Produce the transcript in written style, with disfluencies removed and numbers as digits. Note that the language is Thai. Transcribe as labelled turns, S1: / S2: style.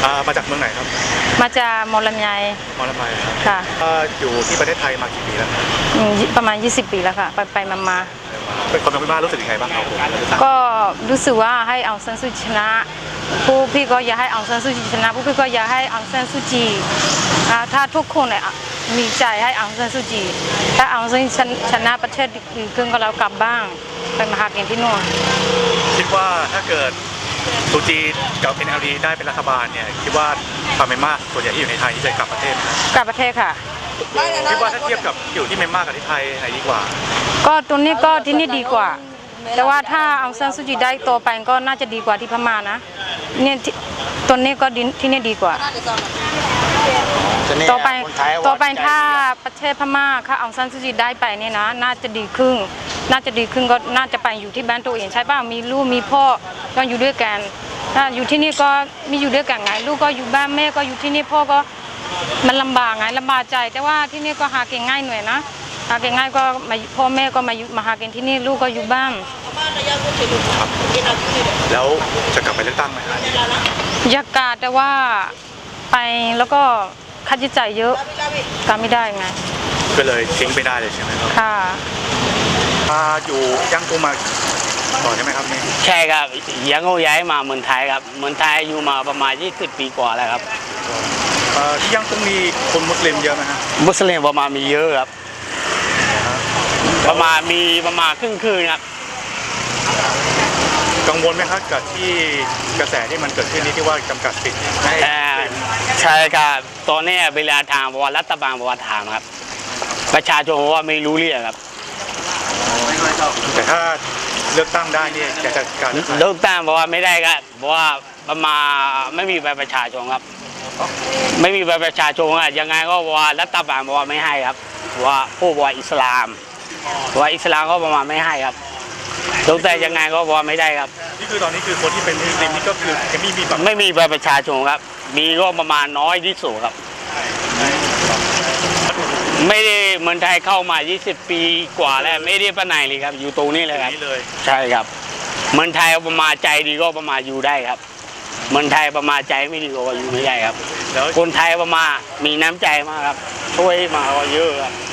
S1: มาจากเมืองไหนครับ
S2: มาจากมอลำไย
S1: มอลำไยครับ
S2: ค่ะ
S1: อยู่ที่ประเทศไทยมากี่ปีแล้ว
S2: ประมาณ20 ปีแล้วค่ะไปมา
S1: เป็นคนเมืองพม่ารู้สึกยังไงบ้างครับ
S2: ก็รู้สึกว่าให้องซันซูจีชนะผู้พี่ก็อยากให้องซันซูจีชนะผู้พี่ก็อยากให้องซันซูจีถ้าทุกคนมีใจให้องซันซูจีถ้าองซันชนะประเทศอื่นก็เรากลับบ้างไปมาหากินที่นู่น
S1: คิดว่าถ้าเกิดซูจีกับ NLD ได้เป็นรัฐบาลเนี่ยคิดว่าชาวเมียนมาส่วนใหญ่ที่อยู่ในไทยจะกลับประเทศ
S2: กลับประเทศค่ะ
S1: คิดว่าถ้าเทียบกับอยู่ที่เมียนมากับที่ไทยไหนดีกว่า
S2: ก็ตรงนี้ก็ที่นี่ดีกว่าแต่ว่าถ้าองซันซูจีได้โตไปก็น่าจะดีกว่าที่พม่านะเนี่ยตรงนี้ก็ที่นี่ดีกว่าต่อไปถ้าประเทศพม่าถ้าองซันซูจีได้ไปเนี่ยนะน่าจะดีขึ้นก็น่าจะไปอยู่ที่บ้านตัวเองใช่ป่ะมีลูกมีพ่อก็อยู่ด้วยกันถ้าอยู่ที่นี่ก็มีอยู่ด้วยกันไงลูกก็อยู่บ้านแม่ก็อยู่ที่นี่พ่อก็มันลำบากไงลำบากใจแต่ว่าที่นี่ก็หาเก่งง่ายหน่อยนะหาเก่งง่ายก็พ่อแม่ก็มาหาเก่งที่นี่ลูกก็อยู่บ้าน
S1: แล้วจะกลับไปเลือกตั้งไหม
S2: อยากกาแต่ว่าไปแล้วก็ค่าใช้จ่ายเยอะกาไม่ได้ไง
S1: ก็เลยทิ้งไปได้เลยใช่ไหมครับ
S2: ค่ะ
S1: อยู่ย่างกุ้งมาก่อนใช่ไหมครับนี่
S3: ใช่ครับยังโง่ย้ายมาเมืองไทยครับเมืองไทยอยู่มาประมาณ20 ปีกว่าแล้วครับ
S1: ที่ย่างกุ้งมีคนมุสลิมเยอะไหมฮะ
S3: มุสลิมประมาณมีเยอะครับประมาณครึ่งครับ
S1: กังวลไหมครับกับที่กระแสที่มันเกิดขึ้นนี้ที่ว่าจำกัดสิทธิ์
S3: ใช่ครับตอนนี้เวลาทางบอกว่ารัฐบาลบอกว่าถามครับประชาชนบอกว่าไม่รู้เรื่องครับ
S1: แต่ถ้าเลือกตั้งได้เนี่ยจะการ
S3: เลือกตั้งบอกว่าไม่ได้ครับบอกว่าประมาณไม่มีใบประชาชนครับไม่มีใบประชาชนอ่ะยังไงก็ว่ารัฐบาลบอกว่าไม่ให้ครับว่าผู้ว่าอิสลามก็ประมาณไม่ให้ครับลงแต่ยังไงก็บอกไม่ได้ครับ
S1: นี่คือตอนนี้คือคนที่เป็นมุสลิมนี่ก็คือ
S3: ไม่มีใบประชาชนครับมีก็ประมาณน้อยที่สุดครับไม่ได้เมืองไทยเข้ามา20 ปีกว่าแล้วไม่ได้ไปไหนเลยครับอยู่ตรงนี้เลยครับใช่ครับเมืองไทยประมาณใจดีก็ประมาณอยู่ได้ครับเมืองไทยประมาณใจไม่ดีก็อยู่ไม่ได้ครับคนไทยประมาณมีน้ำใจมากครับช่วยมาเยอะครับ